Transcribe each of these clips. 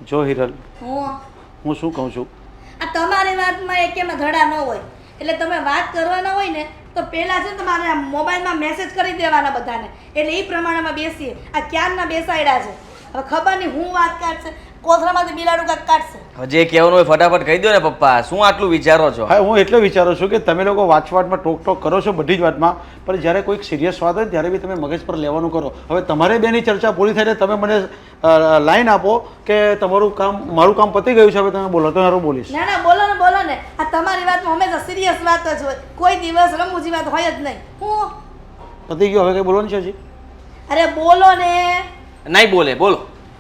જો હિરલ, હું હું શું કહું છું, આ તમારી વાતમાં એકેમાં ધડા ન હોય એટલે તમે વાત કરવાના હોય ને તો પહેલાં છે ને તમારે આ મોબાઈલમાં મેસેજ કરી દેવાના બધાને એટલે એ પ્રમાણેમાં બેસીએ. આ ક્યારના બેસાડ્યા છે હવે ખબર નહીં હું વાત કાઢશે કોથળામાંથી બિલાડું કાંઈક કાઢશે. હવે જે કહેવાનું હોય ફટાફટ કહી દો ને પપ્પા, શું આટલું વિચારો છો? હા હું એટલે વિચારું છું કે તમે લોકો વાતમાં ટોક કરો છો બધી જ વાતમાં, પણ જ્યારે કોઈક સિરિયસ વાત હોય ત્યારે બી તમે મગજ પર લેવાનું કરો. હવે તમારે બેની ચર્ચા પૂરી થાય એટલે તમે મને લાઈન આપો કે તમારું કામ મારું કામ પતી ગયું છે, હવે તમે બોલો તો હું બોલીશ. ના ના બોલો ને આ તમારી વાતમાં હંમેશા સિરિયસ વાત જ હોય, કોઈ દિવસ રમૂજી વાત હોય જ નહીં. હું પતી ગયું, હવે કંઈ બોલવાનું છે હજી? અરે બોલો ને. નહીં બોલે, બોલો.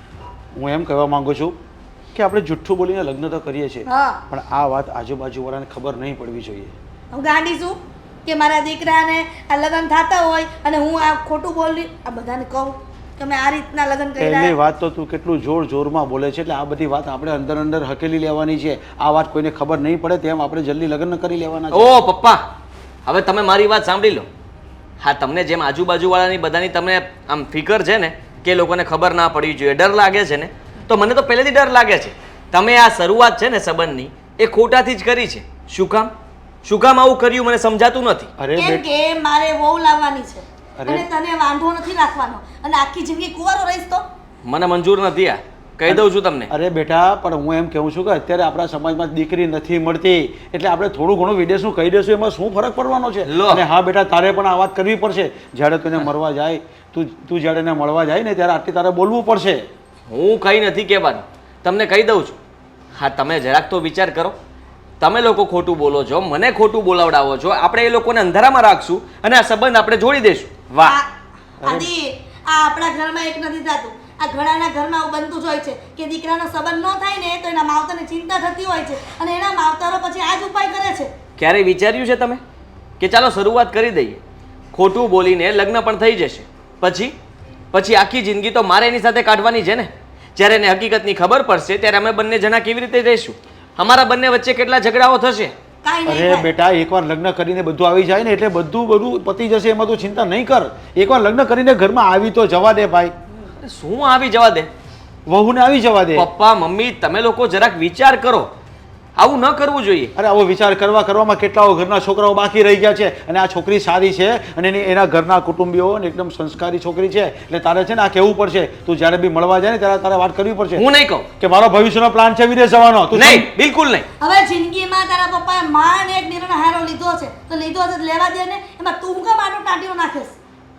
હું એમ કહેવા માંગુ છું કે આપણે જુઠ્ઠું બોલીને લગ્ન તો કરીએ છીએ, હા પણ આ વાત આજુબાજુવાળાને ખબર નહીં પડવી જોઈએ. હું ગાંડી છું કે મારા દીકરાને આ લગ્ન થતા હોય અને હું આ ખોટું બોલી આ બધાને કહું કે મેં આ રીતના લગ્ન પહેલી કર્યા. વાત તો તું કેટલું જોરમાં બોલે છે, એટલે આ બધી વાત આપણે અંદર હકેલી લેવાની છે. આ વાત કોઈને ખબર નહીં પડે તેમ આપણે જલ્દી લગ્ન કરી લેવાના છે. ઓ પપ્પા, હવે તમે મારી વાત સાંભળી લો. હા, તમને જેમ આજુબાજુવાળાની બધાની તમને આમ ફિકર છે ને કે લોકોને ખબર ના પડવી જોઈએ, ડર લાગે છે ને, તો મને તો પહેલેથી ડર લાગે છે. તમે આ શરૂઆત છે ને સંબંધની એ ખોટાથી જ કરી છે. શું કામ આવું કર્યું મને સમજાતું નથી. અરે કેમ કે મારે વહુ લાવવાની છે અરે. અને તને વાંધો નથી રાખવાનો અને આખી જિંદગી કુંવારો રહીશ તો મને મંજૂર નથી આ, કહી દઉં છું તમને. અરે બેટા, પણ હું એમ કહું છું કે અત્યારે આપણા સમાજમાં દીકરી નથી મળતી, એટલે આપણે થોડું ઘણું વિદેશનું કહી દઈશું, એમાં શું ફરક પડવાનો છે? લો. અને હા બેટા, તારે પણ આ વાત કરવી પડશે. જ્યારે તું એને મળવા જાય, તું જ્યારે એને મળવા જાય ને ત્યારે આટલી તારે બોલવું પડશે. હું કંઈ નથી કહેવાનું, તમને કહી દઉં છું. હા, તમે જરાક તો વિચાર કરો. તમે લોકો ખોટું બોલો છો, મને ખોટું બોલાવડાવો છો, આપણે એ લોકોને અંધારામાં રાખશું અને આ સંબંધ આપણે જોડી દઈશું. વાહ. આદિ આ આપણા ઘરમાં એક નથી થતું, આ ઘણાના ઘરમાં આવું બનતું જ હોય છે કે દીકરાનો સંબંધ ન થાય ને તો એના માવતરને ચિંતા થતી હોય છે અને એના માવતરો પછી આ જ ઉપાય કરે છે. ક્યારેય વિચાર્યું છે તમે કે ચાલો શરૂઆત કરી દઈએ, ખોટું બોલીને લગ્ન પણ થઈ જશે, પછી આખી જિંદગી તો મારે એની સાથે કાઢવાની છે ને. જ્યારે એને હકીકતની ખબર પડશે ત્યારે અમે બંને જણા કેવી રીતે રહીશું? અમારા બંને વચ્ચે કેટલા ઝઘડાઓ થશે. કાંઈ નહીં અરે થાય. બેટા, એકવાર લગ્ન કરીને બધું આવી જાય ને એટલે બધું પતી જશે, એમાં તું ચિંતા નહીં કર. એકવાર લગ્ન કરીને ઘરમાં આવી તો જવા દે ભાઈ, શું આવી જવા દે? વહુને આવી જવા દે. પપ્પા મમ્મી, તમે લોકો જરાક વિચાર કરો, આવું ન કરવું જોઈએ. અરે આવો વિચાર કરવામાં કેટલાઓ ઘરના છોકરાઓ બાકી રહી ગયા છે, અને આ છોકરી સારી છે અને એના ઘરના કુટુંબીઓ અને એકદમ સંસ્કારી છોકરી છે, એટલે તારે છે ને આ કહેવું પડશે. તું જ્યારે બી મળવા જાય ને ત્યારે તારે વાત કરવી પડશે હું નહીં કહું. કે મારો ભવિષ્યનો પ્લાન છે વિદેશ જવાનો. તું નહીં, બિલકુલ નહીં. હવે જિંદગીમાં તારા પપ્પાએ માંડ એક નિર્ણય હારો લીધો છે તો લીધો છે તો લેવા દે ને, એમાં તું કેમ આટો ટાંટીઓ નાખેશ?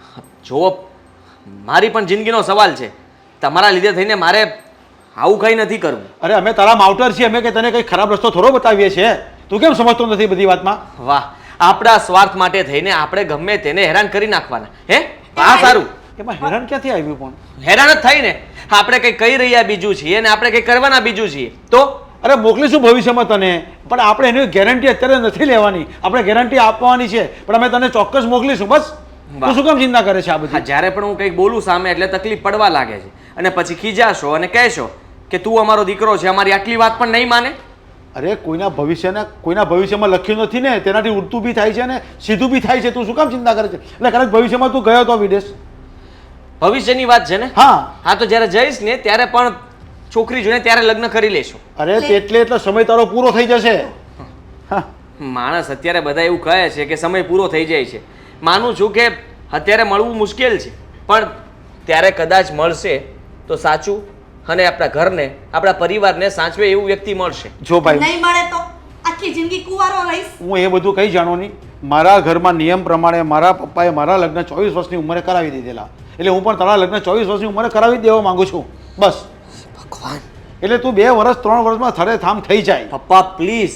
જો મારી પણ જિંદગીનો સવાલ છે, તમારા લીધે થઈને મારે આવું કંઈ નથી કરવું. અરે અમે તારા માવટર છીએ, અમે કે તને કંઈ ખરાબ રસ્તો થોડો બતાવીએ છીએ. તું કેમ સમજતો નથી બધી વાતમાં? વાહ, આપણા સ્વાર્થ માટે થઈને આપણે ગમે તેને હેરાન કરી નાખવાના. હે, આ સારું. એમાં હેરાન ક્યાંથી આવ્યું? પણ હેરાન જ થાય ને. આપણે કંઈ કહી રહ્યા બીજું છીએ અને આપણે કંઈ કરવાના બીજું છીએ. તો અરે મોકલીશું ભવિષ્યમાં તને, પણ આપણે એની ગેરંટી અત્યારે નથી લેવાની. આપણે ગેરંટી આપવાની છે, પણ અમે તને ચોક્કસ મોકલીશું. બસ તું શું કામ ચિંતા કરે છે આ હા, બધી? જ્યારે પણ હું કંઈક બોલું સામે એટલે તકલીફ પડવા લાગે છે અને પછી ખીજાશો અને કહેશો કે તું અમારો દીકરો છે, અમારી આટલી વાત પણ નહીં માને. અરે કોઈના ભવિષ્યમાં લખ્યું નથી ને, તેનાથી ઉડતું બી થાય છે ને સીધું બી થાય છે. તું શું કામ ચિંતા કરે છે? એટલે કદાચ ભવિષ્યમાં તું ગયો તો વિદેશ. ભવિષ્યની વાત છે ને. હા તો જ્યારે જઈશ ને ત્યારે પણ છોકરી જોઈને ત્યારે લગ્ન કરી લેશું. અરે એટલો સમય તારો પૂરો થઈ જશે. હા, માણસ અત્યારે બધા એવું કહે છે કે સમય પૂરો થઈ જાય છે. માનું છું કે અત્યારે મળવું મુશ્કેલ છે, પણ ત્યારે કદાચ મળશે તો સાચું અને આપણા ઘરને આપણા પરિવારને સાચવે એવું વ્યક્તિ મળશે. જો ભાઈ, નહીં મળે તો આખી જિંદગી કુંવારો રહીશ. હું એ બધું કંઈ જાણો નહીં. મારા ઘરમાં નિયમ પ્રમાણે મારા પપ્પાએ મારા લગ્ન 24 વર્ષની ઉંમરે કરાવી દીધેલા, એટલે હું પણ તારા લગ્ન 24 વર્ષની ઉંમરે કરાવી જ દેવા માંગુ છું. બસ ભગવાન. એટલે તું 2 વર્ષ 3 વર્ષમાં થડે થામ થઈ જાય. પપ્પા પ્લીઝ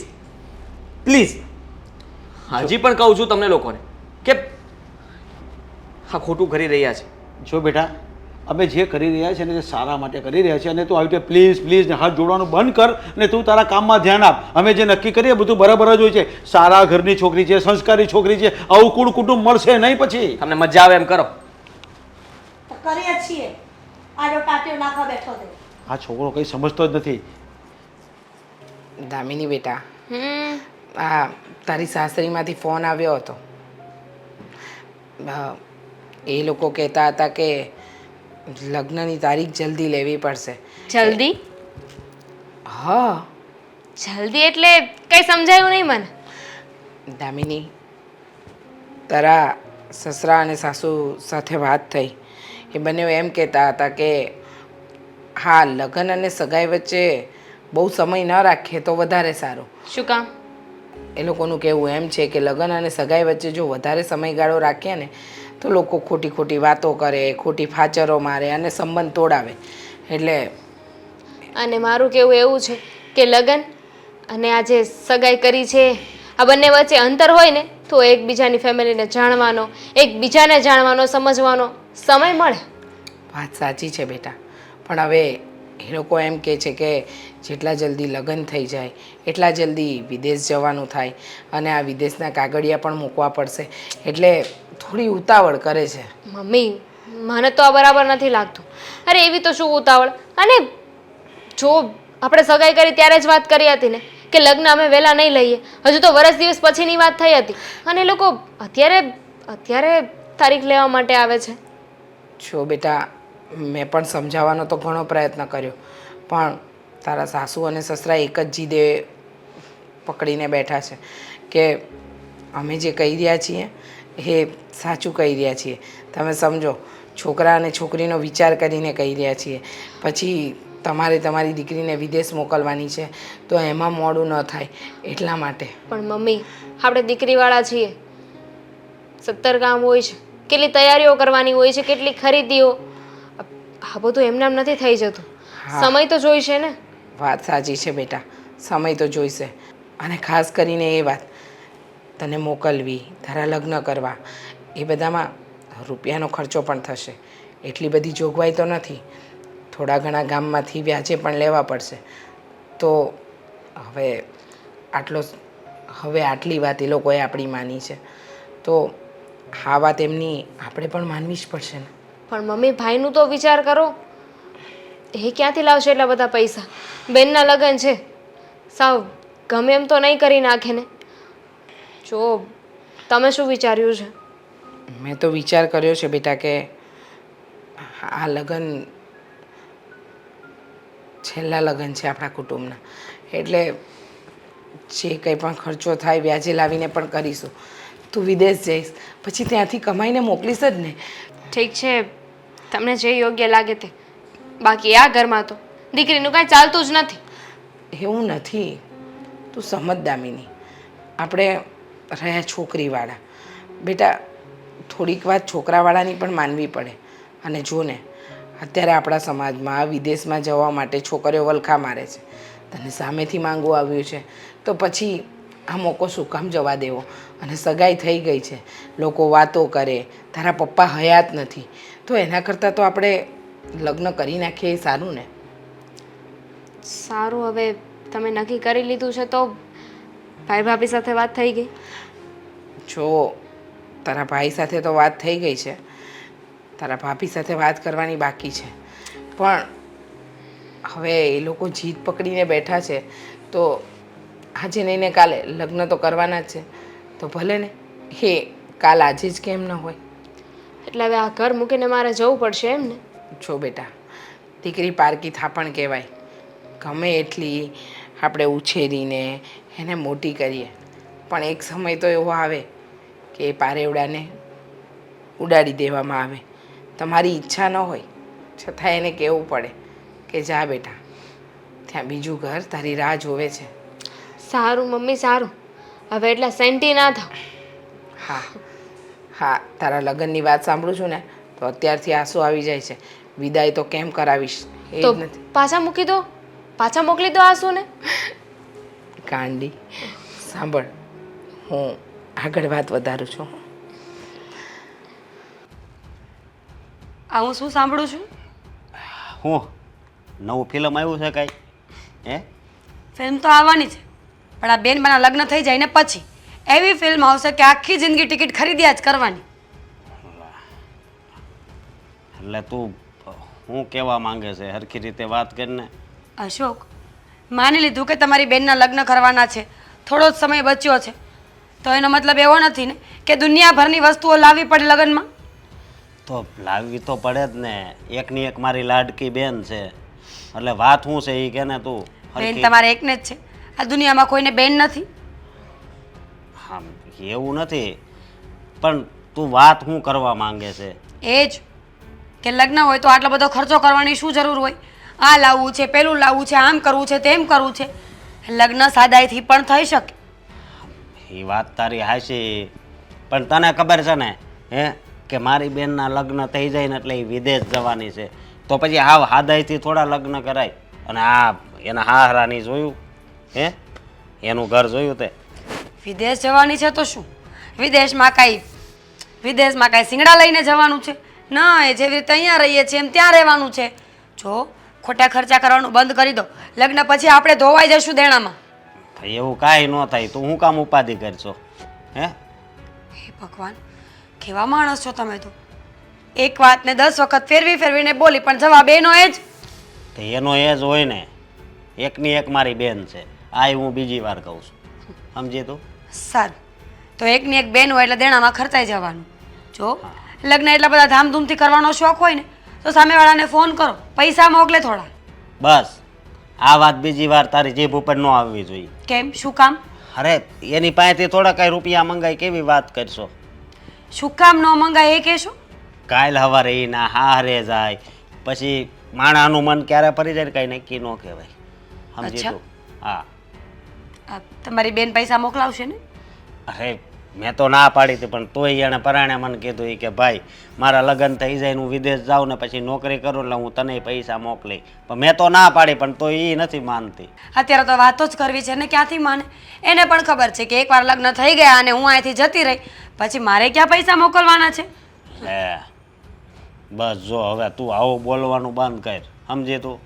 હજી પણ કહું છું તમને લોકોને કે હા ખોટું કરી રહ્યા છે. જો બેટા, અમે જે કરી રહ્યા છીએ ને તે સારા માટે કરી રહ્યા છીએ, અને તું આવી રીતે પ્લીઝ ને હાથ જોડવાનું બંધ કર અને તું તારા કામમાં ધ્યાન આપ. અમે જે નક્કી કરીએ બધું બરાબર જ હોય છે. સારા ઘરની છોકરી છે, સંસ્કારી છોકરી છે, આવું કુળ કુટુંબ મળશે નહીં. પછી તમને મજા આવે એમ કરો. તો કરીએ જ છીએ. આડો ટાંટીઓ નાખવા બેઠો છે. આ છોકરો કંઈ સમજતો જ નથી. દામિની બેટા, આ તારી સાસરીમાંથી ફોન આવ્યો હતો. એ લોકો કહેતા હતા કે લગ્નની તારીખ જલ્દી લેવી પડશે. જલ્દી? હા જલ્દી એટલે કંઈ સમજાયું નહીં મને. દામિની, તારા સસરા અને સાસુ સાથે વાત થઈ. એ બંને એમ કહેતા હતા કે હા, લગ્ન અને સગાઈ વચ્ચે બહુ સમય ન રાખીએ તો વધારે સારું. શું કામ? એ લોકોનું કહેવું એમ છે કે લગ્ન અને સગાઈ વચ્ચે જો વધારે સમયગાળો રાખીએ ને તો લોકો ખોટી ખોટી વાતો કરે, ખોટી ફાચરો મારે અને સંબંધ તોડાવે. એટલે અને મારું કહેવું એવું છે કે લગ્ન અને આ જે સગાઈ કરી છે આ બંને વચ્ચે અંતર હોય ને તો એકબીજાની ફેમિલીને જાણવાનો, એકબીજાને જાણવાનો, સમજવાનો સમય મળે. વાત સાચી છે બેટા, પણ હવે એ લોકો એમ કહે છે કે જેટલા જલ્દી લગ્ન થઈ જાય એટલા જલ્દી વિદેશ જવાનું થાય અને આ વિદેશના કાગળિયા પણ મૂકવા પડશે. એટલે થોડી ઉતાવળ કરે છે. મમ્મી, મને તો આ બરાબર નથી લાગતું. અરે એવી તો શું ઉતાવળ? અને જો આપણે સગાઈ કરી ત્યારે જ વાત કરી હતી ને કે લગ્ન અમે વહેલા નહીં લઈએ. હજુ તો વર્ષ દિવસ પછીની વાત થઈ હતી અને એ લોકો અત્યારે તારીખ લેવા માટે આવે છે. જો બેટા, મેં પણ સમજાવવાનો તો ઘણો પ્રયત્ન કર્યો, પણ તારા સાસુ અને સસરા એક જ જીદે પકડીને બેઠા છે કે અમે જે કહી રહ્યા છીએ એ સાચું કહી રહ્યા છીએ. તમે સમજો, છોકરા અને છોકરીનો વિચાર કરીને કહી રહ્યા છીએ. પછી તમારે તમારી દીકરીને વિદેશ મોકલવાની છે તો એમાં મોડું ન થાય એટલા માટે. પણ મમ્મી, આપણે દીકરીવાળા છીએ, 70 કામ હોય છે, કેટલી તૈયારીઓ કરવાની હોય છે, કેટલી ખરીદીઓ. આ બધું એમનામ નથી થઈ જતું. સમય તો જોઈશે ને. વાત સાચી છે બેટા, સમય તો જોઈશે. અને ખાસ કરીને એ વાત, તને મોકલવી, તારા લગ્ન કરવા, એ બધામાં રૂપિયાનો ખર્ચો પણ થશે. એટલી બધી જોગવાઈ તો નથી. થોડા ઘણા ગામમાંથી વ્યાજે પણ લેવા પડશે. તો હવે આટલી વાત એ લોકોએ આપણી માની છે તો આ વાત એમની આપણે પણ માનવી જ પડશે ને. પણ મમ્મી, ભાઈનું તો વિચાર કરો. એ ક્યાંથી લાવશે એટલા બધા પૈસા? બેનના લગ્ન છે, સાવ ગમે એમ તો નહીં કરી નાખે ને. જો તમે શું વિચાર્યું છે? મેં તો વિચાર કર્યો છે બેટા કે આ લગ્ન છેલ્લા લગ્ન છે આપણા કુટુંબના. એટલે જે કંઈ પણ ખર્ચો થાય વ્યાજે લાવીને પણ કરીશું. તું વિદેશ જઈશ પછી ત્યાંથી કમાઈને મોકલીશ જ ને. ઠીક છે, તમને જે યોગ્ય લાગે તે. બાકી આ ઘરમાં તો દીકરીનું કાંઈ ચાલતું જ નથી. એવું નથી, તું સમજ દામિની. આપણે રહ્યા છોકરીવાળા. બેટા, થોડીક વાત છોકરાવાળાની પણ માનવી પડે. અને જો ને, અત્યારે આપણા સમાજમાં વિદેશમાં જવા માટે છોકરીઓ વલખા મારે છે. તને સામેથી માંગવું આવ્યું છે તો પછી આ મોકો શું કામ જવા દેવો? અને સગાઈ થઈ ગઈ છે, લોકો વાતો કરે, તારા પપ્પા હયાત નથી, તો એના કરતાં તો આપણે લગ્ન કરી નાખીએ એ સારું ને. સારું, હવે તમે નક્કી કરી લીધું છે તો ભાઈ ભાભી સાથે વાત થઈ ગઈ? જો તારા ભાઈ સાથે તો વાત થઈ ગઈ છે, તારા ભાભી સાથે વાત કરવાની બાકી છે. પણ હવે એ લોકો જીદ પકડીને બેઠા છે તો આજે નહીં ને કાલે લગ્ન તો કરવાના જ છે. તો ભલે ને, એ કાલ આજે જ કેમ ન હોય? એટલે હવે આ ઘર મૂકીને મારે જવું પડશે એમ ને? જો બેટા, દીકરી પારકી થાપણ કહેવાય. ગમે એટલી આપણે ઉછેરીને એને મોટી કરીએ, પણ એક સમય તો એવો આવે કે એ પારેવડાને ઉડાડી દેવામાં આવે. તમારી ઈચ્છા ન હોય છતાં એને કહેવું પડે કે જા બેટા, ત્યાં બીજું ઘર તારી રાહ જોવે છે. સારું મમ્મી, સારું. હવે એટલા સેન્ટી ના થાવ. હા, તારા લગ્નની વાત સાંભળું છું ને તો અત્યારથી આંસુ આવી જાય છે. વિદાય તો કેમ કરાવીશ એ જ તો નથી. પાછા મૂકી દો, પાછા મોકલી દો આંસુને. કાંડી, સાંભળ, હું આગળ વાત વધારું છું. આ હું શું સાંભળું છું? હું નવું ફિલ્મ આવ્યું છે કાંઈ? હે? ફિલ્મ તો આવવાની છે, પણ આ બેનમાંના લગ્ન થઈ જાય ને પછી એવી ફિલ્મ આવશે કે આખી જિંદગી ટિકિટ ખરીદ્યા જ કરવાની. એટલે તું શું કહેવા માંગે છે? હરખી રીતે વાત કરીને. અશોક, માની લીધું કે તમારી બેનના લગ્ન કરવાના છે, થોડો જ સમય બચ્યો છે, તો એનો મતલબ એવો નથી ને કે દુનિયાભરની વસ્તુઓ લાવવી પડે લગ્નમાં. તો લાવવી તો પડે જ ને. એકની એક મારી લાડકી બેન છે, એટલે વાત શું છે એ કે ને તું. બેન તમારે એકને જ છે, આ દુનિયામાં કોઈને બેન નથી. હા એવું નથી, પણ તું વાત શું કરવા માંગે છે? એ જ કે લગ્ન હોય તો આટલો બધો ખર્ચો કરવાની શું જરૂર હોય? આ લાવવું છે, પેલું લાવવું છે, આમ કરવું છે, તેમ કરવું છે. લગ્ન સાદાઈથી પણ થઈ શકે. એ વાત તારી હાચી, પણ તને ખબર છે ને કે મારી બેનના લગ્ન થઈ જાય ને એટલે એ વિદેશ જવાની છે, તો પછી હાવ હાદાઈથી થોડા લગ્ન કરાય? અને આ એના હાહરાની જોયું એનું ઘર જોયું તે? વિદેશ જવાની છે તો શું? વિદેશમાં કાંઈ સિંગડા લઈને જવાનું છે? ના, એ જેવી રીતે અહીંયા રહીએ છીએ એમ ત્યાં રહેવાનું છે. જો ખોટા ખર્ચા કરવાનું બંધ કરી દો. લગ્ન પછી આપણે ધોવાઈ જશું દેણામાં. એવું કાંઈ ન થાય, તું શું કામ ઉપાધિ કરશો? હે ભગવાન, કેવા માણસ છો તમે તો! એક વાતને 10 વખત ફેરવીને બોલી, પણ જવાબ એનો એ જ. તો એનો એ જ હોય ને, એકની એક મારી બેન છે, આ હું બીજી વાર કહું છું, સમજી તું? સારું, તો એકની એક બેન હોય એટલે દેણામાં ખર્ચાઈ જવાનું. જો લગ્ન એટલા બધા ધામધૂમથી કરવાનો શોખ હોય ને તો સામેવાળાને ફોન કરો, પૈસા મોકલે થોડા. બસ આ વાત બીજી વાર તારી જીભ ઉપર ન આવવી જોઈએ. કેમ? શું કામ? અરે એની પાસેથી થોડા કાંઈ રૂપિયા મંગાય કેવી વાત કરશો? શું કામ ન મંગાય એ કહેશો? કાલ સવારે એના હારે જાય, પછી માણાનું મન ક્યારે ફરી જાય કાંઈ નક્કી ન કહેવાય, સમજી અચ્છા. તું? હા. તમારી બેન પૈસા મોકલાવશે ને? અરે મેં તો ના પાડી હતી, પણ તોય એણે પરાણે મને કીધું કે ભાઈ મારા લગ્ન થઈ જાય, હું વિદેશ જાઉં ને પછી નોકરી કરું એટલે હું તને પૈસા મોકલી. પણ મેં તો ના પાડી, પણ તો એ નથી માનતી. અત્યારે તો વાતો જ કરવી છે ને, ક્યાંથી માને? એને પણ ખબર છે કે એકવાર લગ્ન થઈ ગયા અને હું અહીંથી જતી રહી પછી મારે ક્યાં પૈસા મોકલવાના છે. હે બસ જો હવે તું આવું બોલવાનું બંધ કર, સમજી તું?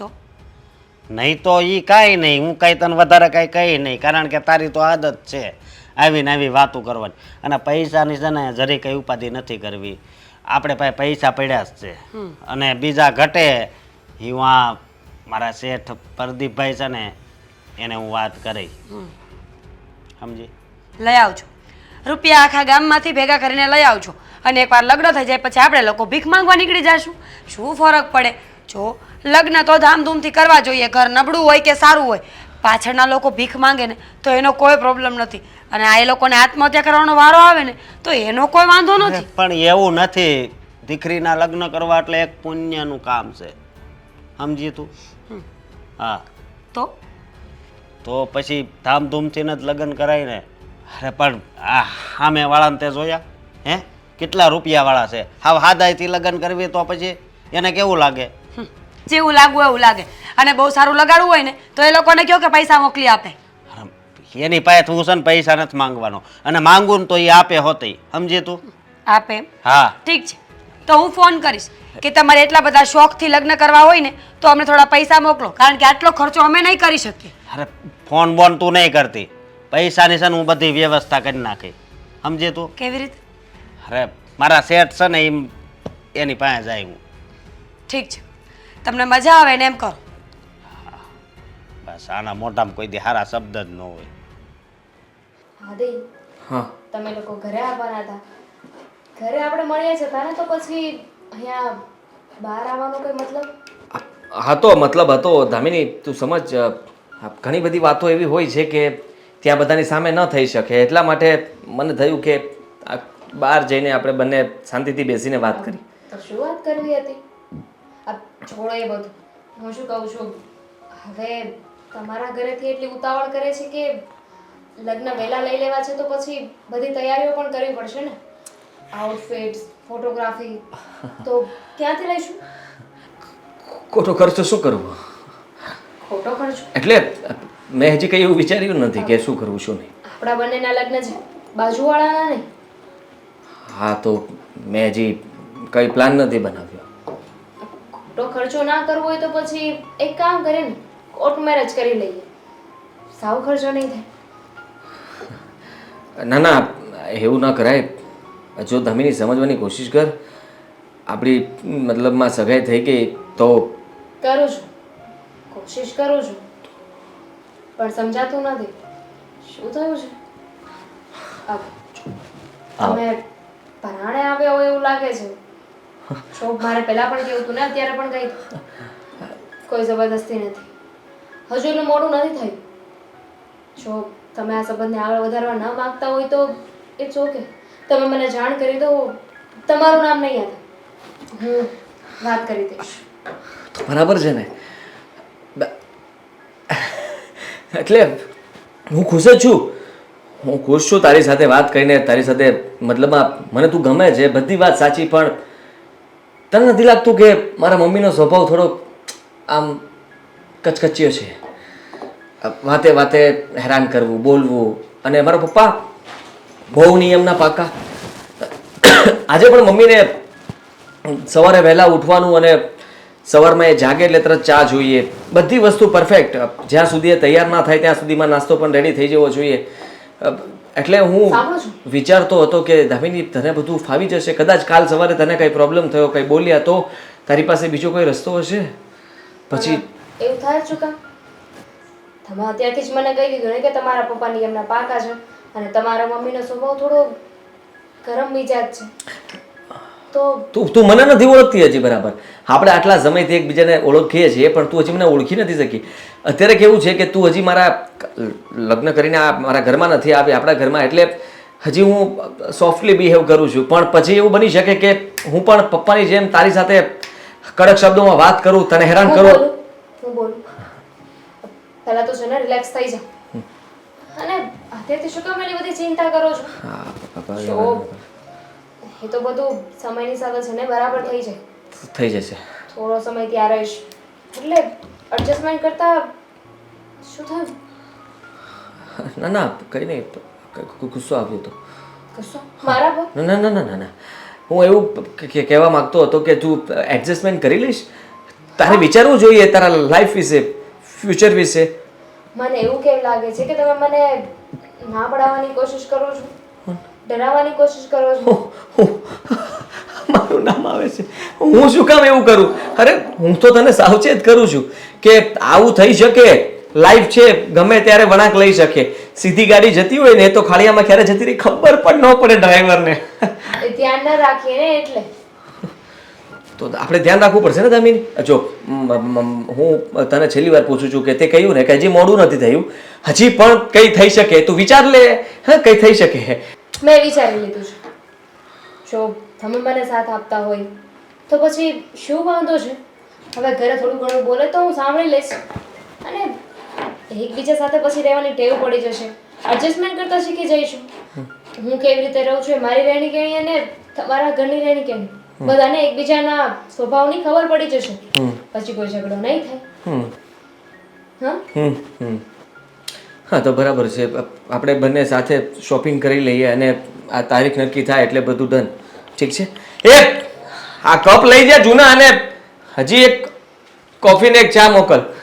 નહીં તો એ કાંઈ નહીં, હું કાંઈ તને વધારે કાંઈ કહી નહીં, કારણ કે તારી તો આદત છે આવીને આવી વાતો કરવાની. અને પૈસાની છે ને જરી કંઈ ઉપાધિ નથી કરવી, આપણે પાસે પૈસા પડ્યા જ છે. અને બીજા ઘટે એ હું આ મારા શેઠ પ્રદીપભાઈ છે ને એને હું વાત કરી, સમજી? લઈ આવજો રૂપિયા, આખા ગામમાંથી ભેગા કરીને લઈ આવજો. અને એકવાર લગ્ન થઈ જાય પછી આપણે લોકો ભીખ માંગવા નીકળી જશું. શું ફરક પડે? જો લગ્ન તો ધામધૂમથી કરવા જોઈએ, ઘર નબળું હોય કે સારું હોય. પાછળના લોકો ભીખ માંગે ને તો એનો કોઈ પ્રોબ્લેમ નથી, અને આ એ લોકોને આત્મહત્યા કરવાનો વારો આવે ને તો એનો કોઈ વાંધો નથી. પણ એવું નથી, દીકરીના લગ્ન કરવા એટલે એક પુણ્યનું કામ છે, સમજી તું? હા તો પછી ધામધૂમથી જ લગ્ન કરાય ને. અરે પણ આ સામે વાળાને તે જોયા કેટલા રૂપિયાવાળા છે, હાવ હાદાઈથી લગ્ન કરવી તો પછી એને કેવું લાગે? જેવું લાગવું એવું લાગે. અને બહુ સારું લગાડવું હોય ને તો એ લોકોને કહો કે પૈસા મોકલી આપે. એની પાસે તું છે ને પૈસા નથી માંગવાનો, અને માંગવું ને તો એ આપે હોતી, સમજી તું? આપે? હા ઠીક છે, તો હું ફોન કરીશ કે તમારે એટલા બધા શોખથી લગ્ન કરવા હોય ને તો અમને થોડા પૈસા મોકલો, કારણ કે આટલો ખર્ચો અમે નહીં કરી શકીએ. અરે ફોન બોન તું નહીં કરતી, પૈસાની છે ને હું બધી વ્યવસ્થા કરી નાખી, સમજી તું? કેવી રીતે? અરે મારા શેઠ છે ને એની પાસે જાય હું. ઠીક છે, તમને મજા આવે ને એમ કરો. બસ આના મોઢામાં કોઈ દી સારા શબ્દ જ ન હોય. આદિ, હા તમે લોકો ઘરે આવવાના હતા, ઘરે આપણે મળીએ છીએ તાને, તો પછી અહીંયા બહાર આવવાનો કોઈ મતલબ? હતો મતલબ હતો ધામિની, તું સમજ, ઘણી બધી વાતો એવી હોય છે કે ત્યાં બધાની સામે ન થઈ શકે, એટલા માટે મને થયું કે આ બહાર જઈને આપણે બંને શાંતિથી બેસીને વાત કરી. તો શું વાત કરવી હતી? આ છોડો એ બધું, હું શું કહું છું, હવે તમારા ઘરેથી એટલી ઉતાવળ કરે છે કે લગ્ન વહેલા લઈ લેવા છે, તો પછી બધી તૈયારીઓ પણ કરવી પડશે ને, આઉટફિટ્સ, ફોટોગ્રાફી, તો ક્યાંથી લઈશું? ખોટો ખર્ચો શું કરવો? ખોટો ખર્ચો એટલે મેં હજી કંઈ એવું વિચાર્યું નથી કે શું કરવું શું નહીં. આપણા બંનેના લગ્ન છે, બાજુવાળાના નહીં. હા તો મેં હજી કંઈ પ્લાન નથી બનાવ્યો. ખોટો ખર્ચો ના કરવો હોય તો પછી એક કામ કરે ને, કોર્ટ મેરેજ કરી લઈએ, સાવ ખર્ચો નહીં થાય. ના ના, એવું ના કરાય. જો ધમીની સમજવાની કોશિશ કર, આપણી મતલબમાં સગાઈ થઈ ગઈ તો કરું છું, કોશિશ કરું છું, પણ સમજાતું નથી. શું થયું છે? તમે પરાણે આવ્યા હોય એવું લાગે છે. શોખ મારે પહેલા પણ કેવું હતું ને અત્યારે પણ કહી, કોઈ જબરદસ્તી નથી. હજુ એટલું મોડું નથી થયું. જો તમે આ સંબંધને આગળ વધારવા ન માંગતા હોય તો ઇટ્સ ઓકે. તમે મને જાણ કરી દો, તમારું નામ નહીં આવે, હું વાત કરી દઈશ. તો બરાબર છે ને? એટલે હું ખુશ જ છું. હું ખુશ છું તારી સાથે વાત કરીને, તારી સાથે મતલબમાં મને તું ગમે છે, બધી વાત સાચી, પણ તને નથી લાગતું કે મારા મમ્મીનો સ્વભાવ થોડો આમ કચકચ્યો છે? વાતે વાતે હેરાન કરવું, બોલવું, અને મારા પપ્પા બહુ નિયમના પાકા. આજે પણ મમ્મીને સવારે વહેલા ઉઠવાનું અને સવારમાં એ જાગે એટલે તરત ચા જોઈએ, બધી વસ્તુ પરફેક્ટ. જ્યાં સુધી એ તૈયાર ના થાય ત્યાં સુધીમાં નાસ્તો પણ રેડી થઈ જવો જોઈએ. એટલે હું વિચારતો હતો કે દામિની તને બધું ફાવી જશે. કદાચ કાલ સવારે તને કંઈ પ્રોબ્લેમ થયો, કંઈ બોલ્યા, તો તારી પાસે બીજો કોઈ રસ્તો હશે. પછી એવું થાય જ ચૂકા. તમે અત્યારથી જ મને કહી દીધું ને કે તમારા પપ્પા નિયમના પાકા છે અને તમારા મમ્મીનો સ્વભાવ થોડો ગરમ મિજાજ છે. તો તું મને નથી ઓળખતી હજી બરાબર. આપણે આટલા સમયથી એકબીજાને ઓળખીએ છીએ, પણ તું હજી મને ઓળખી નથી શકી. અત્યારે કેવું છે કે તું હજી મારા લગ્ન કરીને મારા ઘરમાં નથી આવી, આપણા ઘરમાં, એટલે હજી હું સોફ્ટલી બિહેવ કરું છું. પણ પછી એવું બની શકે કે હું પણ પપ્પાની જેમ તારી સાથે કડક શબ્દોમાં વાત કરું, તને હેરાન કરું. હું બોલું પહેલા તો છે ને રિલેક્સ થઈ જા. અને અત્યારથી શું કામ એટલી બધી ચિંતા કરો છો? જો એ તો બધું સમયની સાથે છે ને બરાબર થઈ જાય. થઈ જશે. થોડો સમય ત્યાં રહીશ એટલે એડજસ્ટમેન્ટ કરતા શું થયું? ના ના કંઈ નહીં, ગુસ્સો આવ્યો હતો. ગુસ્સો મારા પર? ના ના ના ના ના, હું એવું કહેવા માંગતો હતો કે તું એડજસ્ટમેન્ટ કરી લઈશ. તારે વિચારવું જોઈએ તારા લાઈફ વિશે, ફ્યુચર વિશે. મને એવું કેમ લાગે છે કે તમે મને ના પડાવવાની કોશિશ કરો છો, ડરાવવાની કોશિશ કરો છો? મારું નામ આવે છે. હું શું કામ એવું કરું? અરે હું તો તને સાવચેત કરું છું કે આવું થઈ શકે. લાઈફ છે, ગમે ત્યારે વળાંક લઈ શકે. સીધી ગાડી જતી હોય ને તો ખાડિયામાં ક્યારે જતી રહી ખબર પણ ન પડે ડ્રાઈવરને. એ ધ્યાન ન રાખીએ ને એટલે. તો આપણે ધ્યાન રાખવું પડશે ને દામિની. જો હું તને છેલ્લી વાર પૂછું છું કે તે કહ્યું ને કે હજી મોડું નથી થયું, હજી પણ કંઈ થઈ શકે. તું વિચાર લે. હા, કંઈ થઈ શકે. મેં વિચારી લીધું છે. જો તમે મને સાથ આપતા હોય તો પછી શું વાંધો છે? હવે ઘરે થોડું ઘણું બોલે તો હું સાંભળી લઈશ અને એકબીજા સાથે પછી રહેવાની ટેવ પડી જશે. એડજસ્ટમેન્ટ કરતા શીખી જઈશું. હું કેવી રીતે રહું છું, મારી રહેણી કહેણી અને તમારા ઘરની રહેણી કહેણી, બધાને એકબીજાના સ્વભાવની ખબર પડી જશે. પછી કોઈ ઝઘડો નહીં થાય. હા તો બરાબર છે. આપણે બંને સાથે શોપિંગ કરી લઈએ અને આ તારીખ નક્કી થાય એટલે બધું ડન. ઠીક છે? આ કપ લઈ જા જૂના, અને હજી એક કોફી ને એક ચા મોકલ.